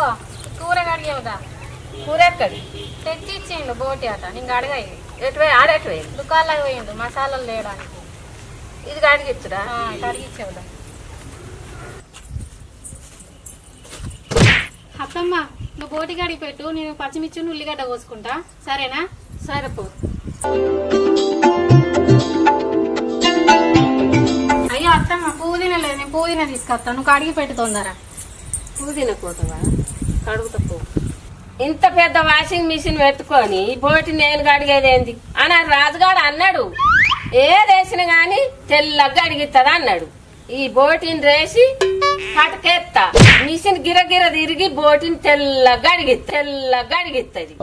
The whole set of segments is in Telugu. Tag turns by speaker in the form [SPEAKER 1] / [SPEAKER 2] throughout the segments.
[SPEAKER 1] ఇగో కూర కడిగేవుదా
[SPEAKER 2] కూర ఎక్కడి
[SPEAKER 1] తెచ్చి ఇచ్చిండు బోటి అట నీకు అడగాయి
[SPEAKER 2] ఎటువై ఆడెటువై
[SPEAKER 1] దుకాణంలోకి పోయిండు మసాలాలు లేడానికి
[SPEAKER 2] ఇది కడిగిచ్చురా
[SPEAKER 1] కడిగిచ్చేవుదా అత్తమ్మ నువ్వు బోటి కాడికి పెట్టు నేను పచ్చిమిర్చి ఉల్లిగడ్డ కోసుకుంటా సరేనా
[SPEAKER 2] సరిపో
[SPEAKER 1] అయ్యో అత్తమ్మ పుదీనా లేదు నేను పుదీనా తీసుకొస్తాను నువ్వు కడిగి పెట్టు తొందర
[SPEAKER 2] పుదీనా కోతవా కడుగుతా పో ఇంత పెద్ద వాషింగ్ మిషన్ పెట్టుకొని ఈ బోటి నేను కడిగేదేంది అని రాజుగాడు అన్నాడు ఏదేసిన గాని తెల్లగా అడిగిస్తుంది అన్నాడు ఈ బోటిని రేసి కటకేస్తా మిషన్ గిరగిర తిరిగి బోటిని తెల్లగా అడిగిస్తుంది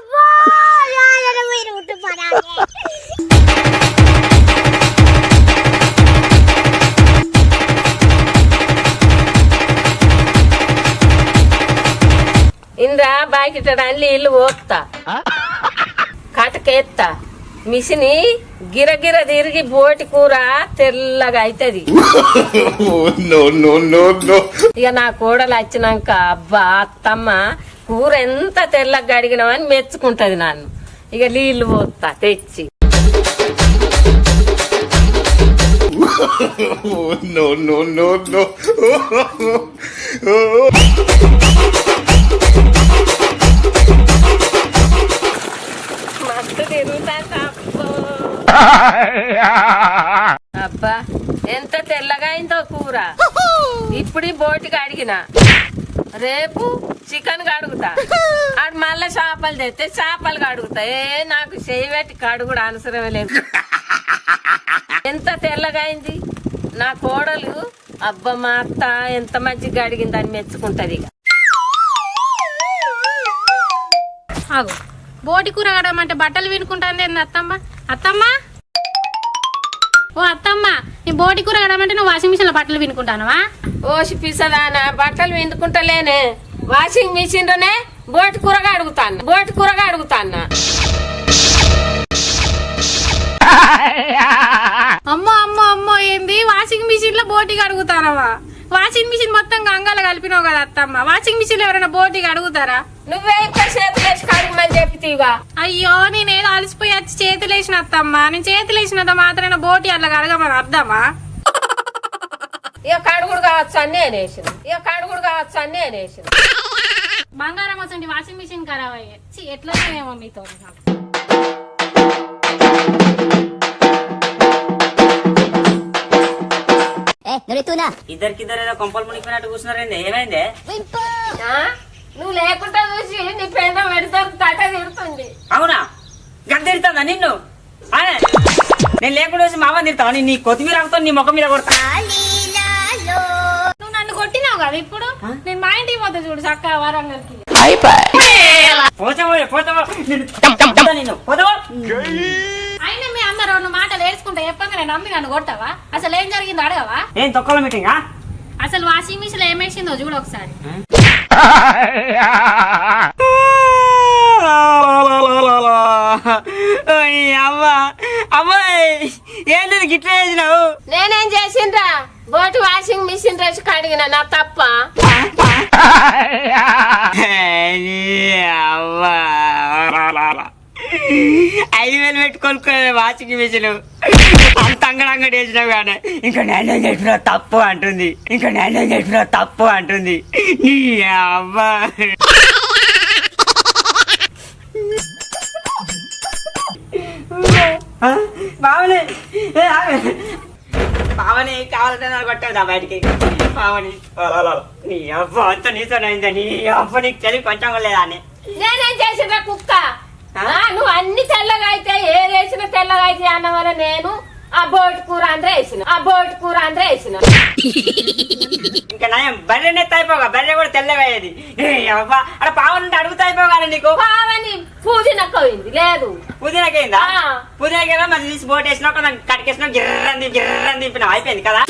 [SPEAKER 2] ఇంద్రా బాకిట్టడానికి నీళ్లు పోస్తా కటకేస్తా మిషని గిరగిర తిరిగి బోటి కూర తెల్లగా అవుతుంది ఇక నా కోడలు వచ్చినాక అబ్బా అత్తమ్మ కూర ఎంత తెల్లగా అడిగినామని మెచ్చుకుంటది నన్ను ఇక నీళ్లు పోస్తా తెచ్చి మస్తు తిరుగుతా అబ్బా ఎంత తెల్లగా అయిందో కూర ఇప్పుడు బోటికి అడిగిన రేపు చికెన్ కడుగుతా ఆడు మళ్ళా చేపలు తెస్తే చేపలు కడుగుతా నాకు చేయి పెట్టి కడుగుడు అవసరమే లేదు ఎంత తెల్లగా అయింది నా కోడలు అబ్బా మా అత్త ఎంత మంచిగా అడిగింది అని మెచ్చుకుంటది ఇక
[SPEAKER 1] ఆగు బోటి కూర కడమంటే బట్టలు వినుకుంటాంది అత్తమ్మ అత్తమ్మ ఓ అత్తమ్మ నీ బోటి కూర కడమంటే నువ్వు వాషింగ్ మిషన్ లో బట్టలు వినుకుంటానవా
[SPEAKER 2] ఓసి పిసదానా బట్టలు విందుకుంటలేనే వాషింగ్ మిషన్ లోనే బోటి కూరగా అడుగుతాన్నా
[SPEAKER 1] అమ్మో అమ్మో అమ్మో ఏంది వాషింగ్ మిషన్ లో బోటి కడుగుతానవా వాషింగ్ మిషన్ మొత్తం గంగాలో కలిపినావు కదా అత్తమ్మ వాషింగ్ మిషన్ లో ఎవరైనా బోటికి అడుగుతారా
[SPEAKER 2] నువ్వే ఇంకా చేతులేసి కడుగుమని చెప్తీవా
[SPEAKER 1] అయ్యో నేనేదో అలసిపోయి వచ్చి చేతులేసిన అత్తమ్మ నేను చేతులేసినంత మాత్రమే బోటి అట్లా కడగమని అర్థమా
[SPEAKER 2] ఇక కడుగుడు కావచ్చు అని నేనేసిన
[SPEAKER 1] బంగారం వసండి వాషింగ్ మిషన్ ఖరాబ్ అయ్యి ఎట్లా ఏమో మీతో
[SPEAKER 3] ఇద్దరికిద్దరు ఏదో కొంపలు మునిగిపోయినట్టు కూర్చున్నారేంది ఏమైంది
[SPEAKER 2] నువ్వు లేకుండా చూసి నీ పేద పెడతారు తట తిడుతుంది
[SPEAKER 3] అవునా గద్ద తిడుతుందా నిన్ను అనే నేను లేకుండా చూసి మామ తిడతావా నీ కొత్తిమీర ఆకుతో నీ ముఖం మీద కొడతా
[SPEAKER 1] నువ్వు నన్ను కొట్టినావు కదా ఇప్పుడు నేను మా ఇంటికి పోతా చూడు చక్క వరంగల్కి అయినా మీ అమ్మ రెండు మాటలు ఏడ్చుకుంటా చెప్పంగా నేను నమ్మి నన్ను కొట్టావా అసలు ఏం జరిగిందో అడగవా
[SPEAKER 3] ఏం తొక్కల మీటింగ్
[SPEAKER 1] అసలు వాషింగ్ మిషన్ లో ఏమేసిందో చూడు ఒకసారి
[SPEAKER 3] అమ్మాయి ఏంటి గిట్లా చేసినావు
[SPEAKER 2] నేనేం చేసిండ్రా బోటి వాషింగ్ మిషన్ రేసి కడిగిన నా తప్ప
[SPEAKER 3] అవ్వా 5,000 పెట్టుకోనుకో వాషింగ్ మిషన్ అంత అంగడి వేసినావు కానీ ఇంకా నేనే చెప్పిన తప్పు అంటుంది నీ అవ్వా పావని కావాలంటే నాకు కొట్టవుదా బయటికి పావని నీ అవ్వ అంత నీతోనైందా నీ అవ్వ నీకు తెలివి కొంచెం కూడా లేదా అని
[SPEAKER 2] నేనేం చేసిండ్రా కుక్క నువ్వు అన్ని తెల్లగా అయితే ఏదేసిన తెల్లగా అయితే అన్న వల్ల నేను ఆ బోటి కూర అందరూ వేసిన
[SPEAKER 3] ఇంకా నయం బర్రెనే అయిపోగా బర్రె కూడా తెల్లగయ్యేది అక్కడ పావని అడుగుతా అయిపోగా నీకు
[SPEAKER 2] పావని పుదీనకపోయింది లేదు
[SPEAKER 3] పుదీనకైందా పుదీనకైనా మరి తీసి బోట్ వేసినాక కట్కేసినా గిర్రని దింపినావు అయిపోయింది కదా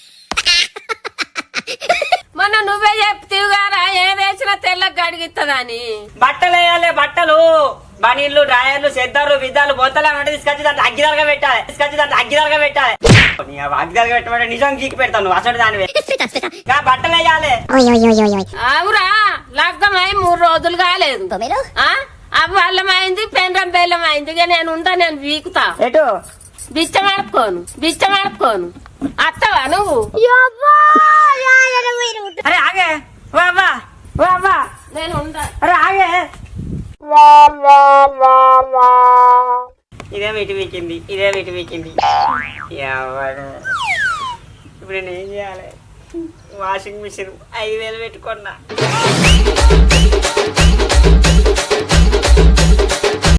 [SPEAKER 2] మొన్న నువ్వే చెప్తీవు గారా ఏదేసినా తెల్లగా అడిగిస్తుందని
[SPEAKER 3] బట్టలు వేయాలి బట్టలు బనీళ్లు డ్రాయర్లు సెద్దర్లు విద్దాలు బొత్తలు అంటే తీసుకొచ్చి దాంట్లో అగ్గిదాలుగా పెట్టాలి అగ్గిదాలుగా పెట్టమంటే నిజం గీకి పెడతాను అసలు దానివే బట్టలు వేయాలి
[SPEAKER 2] అవురా లగ్గమై 3 రోజులు కాలేదు ఆ? అవ్వ అల్లమైంది పెండ్రం బెల్లం అయింది ఇక నేను ఉంటా నేను వీకుతా
[SPEAKER 3] ఎటు
[SPEAKER 2] బిచ్చమడుకోను అత్తవా నువ్వు
[SPEAKER 3] అరే ఆగే వా వా వా వా
[SPEAKER 2] నేను ఉంటా
[SPEAKER 3] అరే ఆగే ఇదేమో ఇటు వీకింది ఎవరు ఇప్పుడు నేను ఏం చేయాలి వాషింగ్ మిషన్ 5,000 పెట్టుకున్నా